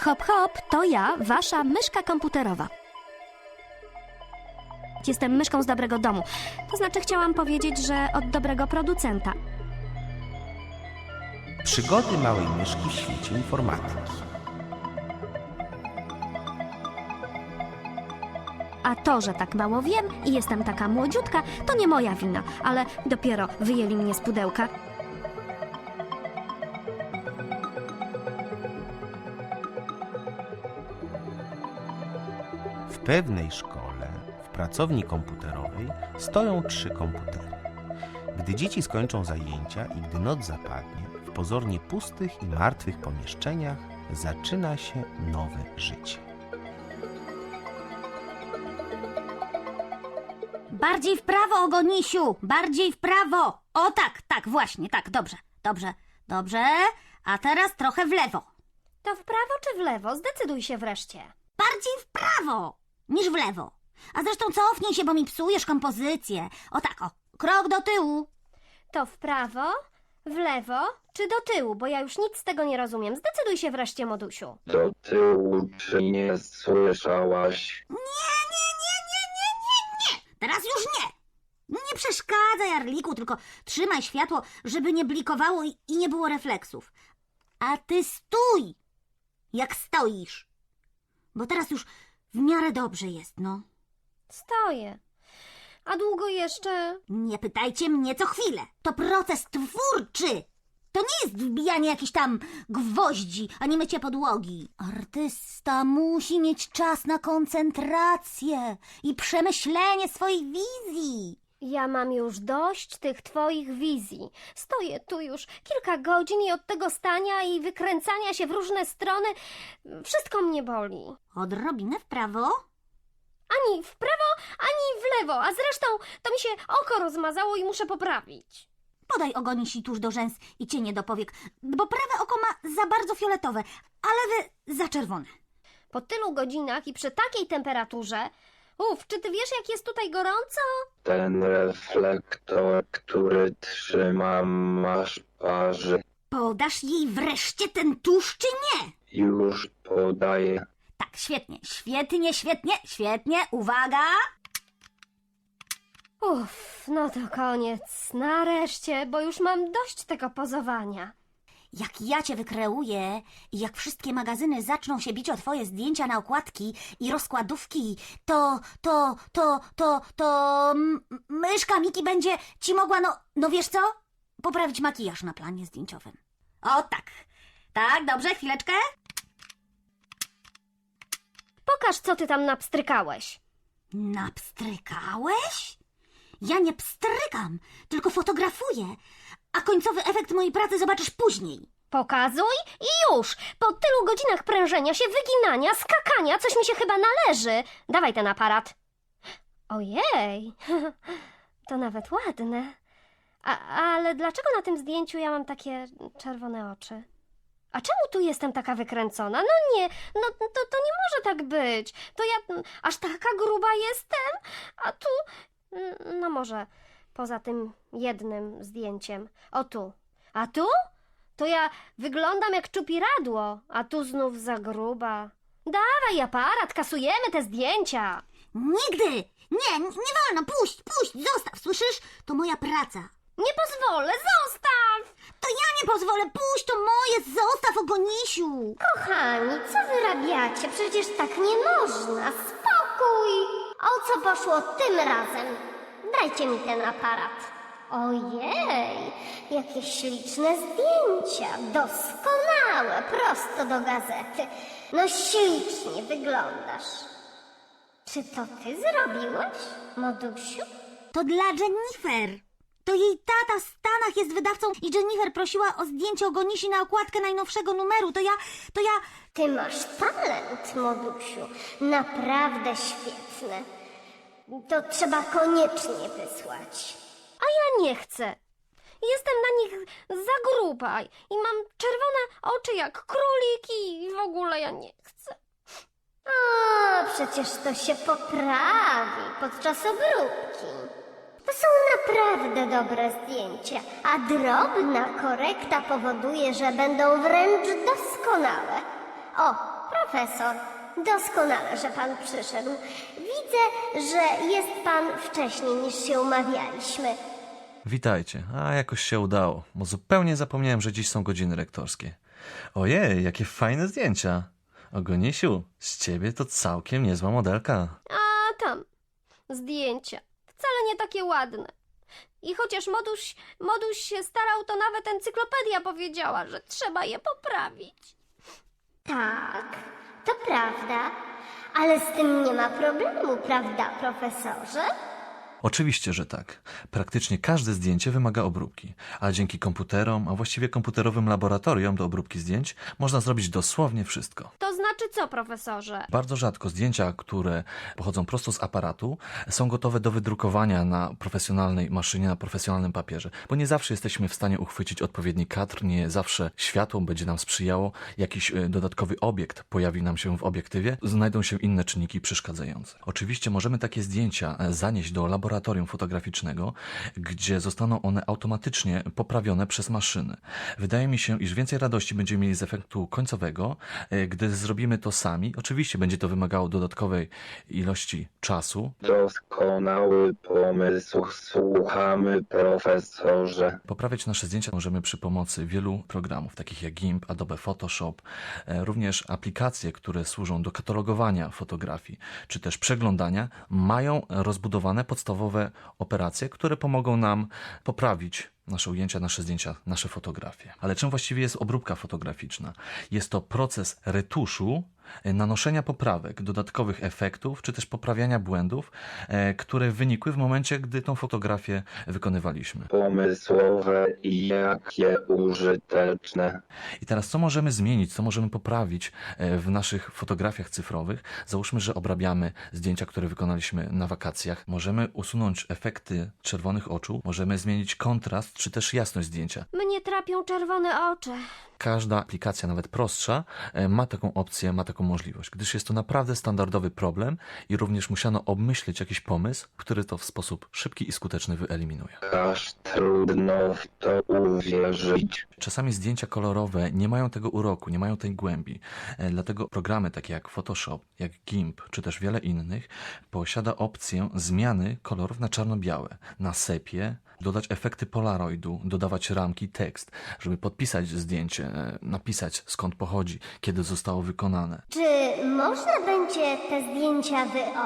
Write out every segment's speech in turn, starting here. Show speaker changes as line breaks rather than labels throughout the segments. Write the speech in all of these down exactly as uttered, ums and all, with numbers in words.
Hop, hop, to ja, wasza myszka komputerowa. Jestem myszką z dobrego domu. To znaczy chciałam powiedzieć, że od dobrego producenta.
Przygody małej myszki w świecie informatyki.
A to, że tak mało wiem i jestem taka młodziutka, to nie moja wina, ale dopiero wyjęli mnie z pudełka.
W pewnej szkole, w pracowni komputerowej, stoją trzy komputery. Gdy dzieci skończą zajęcia i gdy noc zapadnie, w pozornie pustych i martwych pomieszczeniach zaczyna się nowe życie.
Bardziej w prawo, Ogonisiu! Bardziej w prawo! O tak, tak, właśnie, tak, dobrze, dobrze, dobrze. A teraz trochę w lewo.
To w prawo czy w lewo? Zdecyduj się wreszcie.
Bardziej w prawo niż w lewo. A zresztą cofnij się, bo mi psujesz kompozycję. O tak, o, krok do tyłu.
To w prawo, w lewo czy do tyłu, bo ja już nic z tego nie rozumiem. Zdecyduj się wreszcie, Modusiu.
Do tyłu, czy nie słyszałaś?
Nie, nie, nie, nie, nie, nie, nie! Teraz już nie! Nie przeszkadzaj, Arliku, tylko trzymaj światło, żeby nie blikowało i, i nie było refleksów. A ty stój, jak stoisz. Bo teraz już w miarę dobrze jest, no.
Stoję. A długo jeszcze?
Nie pytajcie mnie co chwilę. To proces twórczy. To nie jest wbijanie jakichś tam gwoździ, ani mycie podłogi. Artysta musi mieć czas na koncentrację i przemyślenie swoich wizji.
Ja mam już dość tych twoich wizji. Stoję tu już kilka godzin i od tego stania i wykręcania się w różne strony wszystko mnie boli.
Odrobinę w prawo.
Ani w prawo, ani w lewo, a zresztą to mi się oko rozmazało i muszę poprawić.
Podaj Ogonisi tuż do rzęs i cienie do powiek, bo prawe oko ma za bardzo fioletowe, a lewe za czerwone.
Po tylu godzinach i przy takiej temperaturze... Uf, czy ty wiesz, jak jest tutaj gorąco?
Ten reflektor, który trzymam, masz parzy.
Podasz jej wreszcie ten tusz, czy nie?
Już podaję.
Tak, świetnie, świetnie, świetnie, świetnie, uwaga!
Uff, no to koniec. Nareszcie, bo już mam dość tego pozowania.
Jak ja cię wykreuję i jak wszystkie magazyny zaczną się bić o twoje zdjęcia na okładki i rozkładówki, to, to, to, to, to m- myszka Miki będzie ci mogła, no, no wiesz co? Poprawić makijaż na planie zdjęciowym. O tak, tak, dobrze, chwileczkę.
Pokaż, co ty tam napstrykałeś.
Napstrykałeś? Ja nie pstrykam, tylko fotografuję, a końcowy efekt mojej pracy zobaczysz później.
Pokazuj i już! Po tylu godzinach prężenia się, wyginania, skakania, coś mi się chyba należy. Dawaj ten aparat. Ojej, to nawet ładne. A, ale dlaczego na tym zdjęciu ja mam takie czerwone oczy? A czemu tu jestem taka wykręcona? No nie, no to, to nie może tak być. To ja aż taka gruba jestem, a tu... No może poza tym jednym zdjęciem. O tu. A tu? To ja wyglądam jak czupiradło, a tu znów za gruba. Dawaj aparat, kasujemy te zdjęcia.
Nigdy! Nie, nie wolno, puść, puść, zostaw, słyszysz? To moja praca.
Nie pozwolę, zostaw!
To ja nie pozwolę, puść, to moje, zostaw, Ogonisiu.
Kochani, co wyrabiacie? Przecież tak nie można. Spokój! O co poszło tym razem? Dajcie mi ten aparat. Ojej, jakie śliczne zdjęcia. Doskonałe, prosto do gazety. No ślicznie wyglądasz. Czy to ty zrobiłeś, Modusiu?
To dla Jennifer. To jej tata w Stanach jest wydawcą i Jennifer prosiła o zdjęcie Ogonisi na okładkę najnowszego numeru. To ja, to ja...
Ty masz talent, Modusiu. Naprawdę świetne. To trzeba koniecznie wysłać.
A ja nie chcę. Jestem na nich za gruba i mam czerwone oczy jak króliki i w ogóle ja nie chcę.
O, przecież to się poprawi podczas obróbki. To są naprawdę dobre zdjęcia, a drobna korekta powoduje, że będą wręcz doskonałe. O, profesor. Doskonale, że pan przyszedł. Widzę, że jest pan wcześniej niż się umawialiśmy.
Witajcie. A jakoś się udało, bo zupełnie zapomniałem, że dziś są godziny rektorskie. Ojej, jakie fajne zdjęcia. Ogonisiu, z ciebie to całkiem niezła modelka.
A tam, zdjęcia. Wcale nie takie ładne. I chociaż moduś, moduś się starał, to nawet encyklopedia powiedziała, że trzeba je poprawić.
Tak, to prawda, ale z tym nie ma problemu, prawda, profesorze?
Oczywiście, że tak. Praktycznie każde zdjęcie wymaga obróbki, a dzięki komputerom, a właściwie komputerowym laboratoriom do obróbki zdjęć można zrobić dosłownie wszystko.
To znaczy co, profesorze?
Bardzo rzadko zdjęcia, które pochodzą prosto z aparatu, są gotowe do wydrukowania na profesjonalnej maszynie, na profesjonalnym papierze, bo nie zawsze jesteśmy w stanie uchwycić odpowiedni kadr, nie zawsze światło będzie nam sprzyjało, jakiś e, dodatkowy obiekt pojawi nam się w obiektywie, znajdą się inne czynniki przeszkadzające. Oczywiście możemy takie zdjęcia e, zanieść do laboratorium fotograficznego, gdzie zostaną one automatycznie poprawione przez maszyny. Wydaje mi się, iż więcej radości będziemy mieli z efektu końcowego, e, gdy zrobimy to sami. Oczywiście będzie to wymagało dodatkowej ilości czasu.
Doskonały pomysł, słuchamy, profesorze.
Poprawiać nasze zdjęcia możemy przy pomocy wielu programów, takich jak GIMP, Adobe Photoshop, e, również aplikacje, które służą do katalogowania fotografii, czy też przeglądania, mają rozbudowane podstawowe operacje, które pomogą nam poprawić nasze ujęcia, nasze zdjęcia, nasze fotografie. Ale czym właściwie jest obróbka fotograficzna? Jest to proces retuszu, nanoszenia poprawek, dodatkowych efektów, czy też poprawiania błędów, e, które wynikły w momencie, gdy tą fotografię wykonywaliśmy.
Pomysłowe i jakie użyteczne.
I teraz co możemy zmienić, co możemy poprawić e, w naszych fotografiach cyfrowych? Załóżmy, że obrabiamy zdjęcia, które wykonaliśmy na wakacjach. Możemy usunąć efekty czerwonych oczu, możemy zmienić kontrast, czy też jasność zdjęcia.
Mnie trapią czerwone oczy.
Każda aplikacja, nawet prostsza, e, ma taką opcję, ma taką możliwość, gdyż jest to naprawdę standardowy problem i również musiano obmyślić jakiś pomysł, który to w sposób szybki i skuteczny wyeliminuje.
Aż trudno w to uwierzyć.
Czasami zdjęcia kolorowe nie mają tego uroku, nie mają tej głębi. E, Dlatego programy takie jak Photoshop, jak GIMP, czy też wiele innych posiada opcję zmiany kolorów na czarno-białe, na sepie, dodać efekty polaroidu, dodawać ramki, tekst, żeby podpisać zdjęcie, e, napisać skąd pochodzi, kiedy zostało wykonane.
Czy można będzie te zdjęcia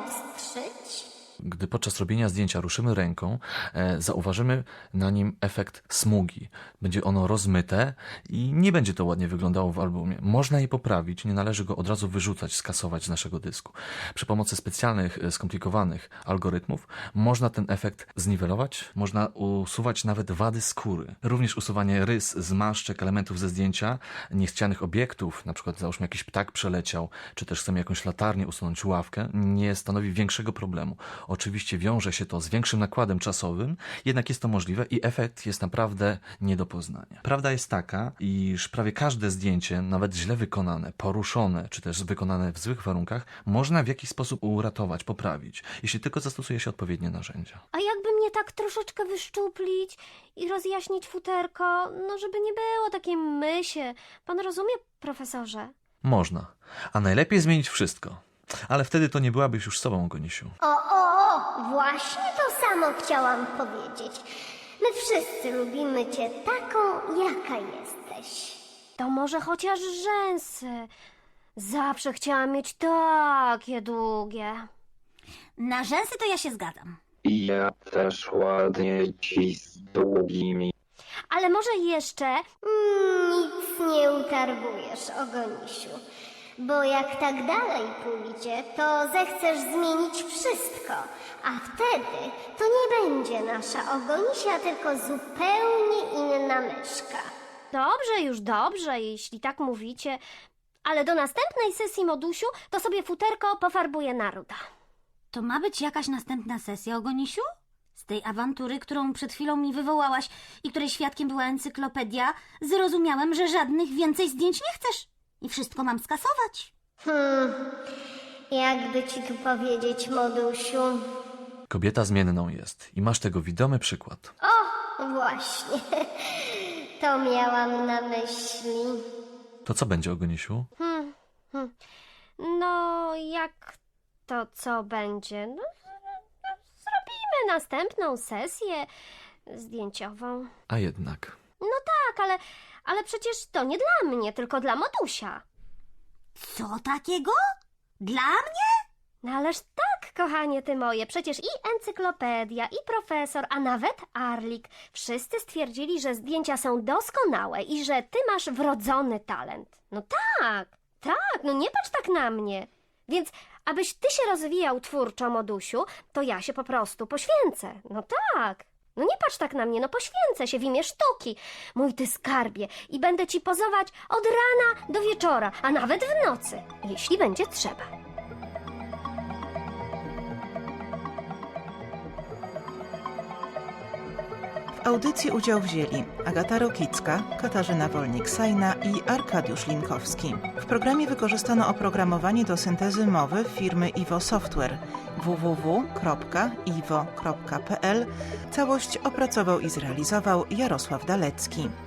wyostrzyć?
Gdy podczas robienia zdjęcia ruszymy ręką, e, zauważymy na nim efekt smugi. Będzie ono rozmyte i nie będzie to ładnie wyglądało w albumie. Można je poprawić, nie należy go od razu wyrzucać, skasować z naszego dysku. Przy pomocy specjalnych, e, skomplikowanych algorytmów można ten efekt zniwelować, można usuwać nawet wady skóry. Również usuwanie rys, zmarszczek, elementów ze zdjęcia, niechcianych obiektów, na przykład załóżmy jakiś ptak przeleciał, czy też chcemy jakąś latarnię usunąć, ławkę, nie stanowi większego problemu. Oczywiście wiąże się to z większym nakładem czasowym, jednak jest to możliwe i efekt jest naprawdę nie do poznania. Prawda jest taka, iż prawie każde zdjęcie, nawet źle wykonane, poruszone, czy też wykonane w złych warunkach, można w jakiś sposób uratować, poprawić, jeśli tylko zastosuje się odpowiednie narzędzia.
A jakby mnie tak troszeczkę wyszczuplić i rozjaśnić futerko, no żeby nie było takiej mysie. Pan rozumie, profesorze?
Można, a najlepiej zmienić wszystko. Ale wtedy to nie byłabyś już sobą, Gonisiu.
O, o, o, właśnie to samo chciałam powiedzieć. My wszyscy lubimy cię taką, jaka jesteś.
To może chociaż rzęsy. Zawsze chciałam mieć takie długie.
Na rzęsy to ja się zgadzam.
I ja też ładnie ci z długimi.
Ale może jeszcze...
Mm, nic nie utarbujesz, Ogonisiu. Bo jak tak dalej pójdzie, to zechcesz zmienić wszystko, a wtedy to nie będzie nasza Ogonisia, tylko zupełnie inna myszka.
Dobrze, już dobrze, jeśli tak mówicie. Ale do następnej sesji, modusiu, to sobie futerko pofarbuje na ruda.
To ma być jakaś następna sesja, Ogonisiu? Z tej awantury, którą przed chwilą mi wywołałaś i której świadkiem była encyklopedia, zrozumiałem, że żadnych więcej zdjęć nie chcesz. I wszystko mam skasować.
Hmm, jakby ci tu powiedzieć, modusiu.
Kobieta zmienną jest i masz tego widomy przykład.
O, właśnie. To miałam na myśli.
To co będzie, Ogonisiu?
Hmm, hmm. No, jak to co będzie? No, no, zrobimy następną sesję zdjęciową.
A jednak.
Tak, ale, ale przecież to nie dla mnie, tylko dla Modusia.
Co takiego? Dla mnie?
No ależ tak, kochanie ty moje, przecież i encyklopedia, i profesor, a nawet Arlik, wszyscy stwierdzili, że zdjęcia są doskonałe i że ty masz wrodzony talent. No tak, tak, no nie patrz tak na mnie. Więc abyś ty się rozwijał twórczo, Modusiu, to ja się po prostu poświęcę. No tak. No nie patrz tak na mnie, no poświęcę się w imię sztuki, mój ty skarbie, i będę ci pozować od rana do wieczora, a nawet w nocy, jeśli będzie trzeba.
W audycji udział wzięli Agata Rokicka, Katarzyna Wolnik-Sajna i Arkadiusz Linkowski. W programie wykorzystano oprogramowanie do syntezy mowy firmy Iwo Software w w w kropka iwo kropka p l. Całość opracował i zrealizował Jarosław Dalecki.